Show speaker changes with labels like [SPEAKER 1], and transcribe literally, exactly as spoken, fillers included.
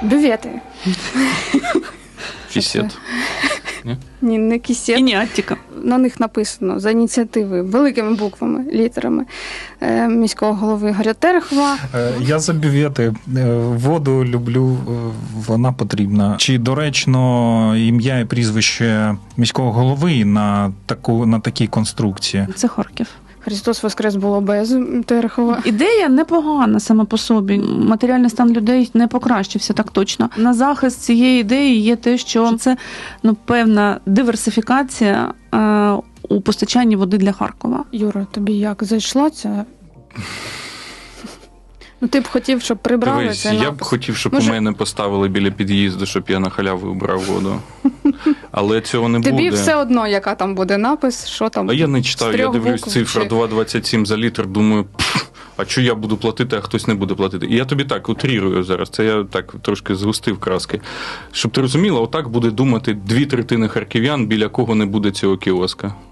[SPEAKER 1] Бювети.
[SPEAKER 2] Кісет. Ні?
[SPEAKER 1] Ні, не кісет.
[SPEAKER 3] І не Аттіка.
[SPEAKER 1] На них написано за ініціативи великими буквами, літерами е, міського голови Ігоря Терехова.
[SPEAKER 4] Е, Я за бювети. Е, Воду люблю, е, вона потрібна. Чи доречно ім'я і прізвище міського голови на таку на такій конструкції?
[SPEAKER 3] Це Харків.
[SPEAKER 1] Христос Воскрес було без Терехова.
[SPEAKER 3] Ідея непогана саме по собі. Матеріальний стан людей не покращився так точно. На захист цієї ідеї є те, що це ну, певна диверсифікація е, у постачанні води для Харкова.
[SPEAKER 1] Юра, тобі як зайшла ця? Ну, ти б хотів, щоб прибрали
[SPEAKER 2] Дивись,
[SPEAKER 1] цей
[SPEAKER 2] я б
[SPEAKER 1] напис.
[SPEAKER 2] хотів, щоб
[SPEAKER 1] Може-
[SPEAKER 2] у мене поставили біля під'їзду, щоб я на халяву брав воду. Але цього не
[SPEAKER 1] Тобі
[SPEAKER 2] буде.
[SPEAKER 1] все одно, яка там буде напис, що там.
[SPEAKER 2] А я не читаю,
[SPEAKER 1] з
[SPEAKER 2] я
[SPEAKER 1] трьох
[SPEAKER 2] дивлюсь
[SPEAKER 1] букв
[SPEAKER 2] цифра
[SPEAKER 1] чи-
[SPEAKER 2] два двадцять сім за літр, думаю, пф, а що я буду платити, а хтось не буде платити. І я тобі так утрірую зараз, це я так трошки згустив краски. Щоб ти розуміла, отак буде думати дві третини харків'ян, біля кого не буде цього кіоска.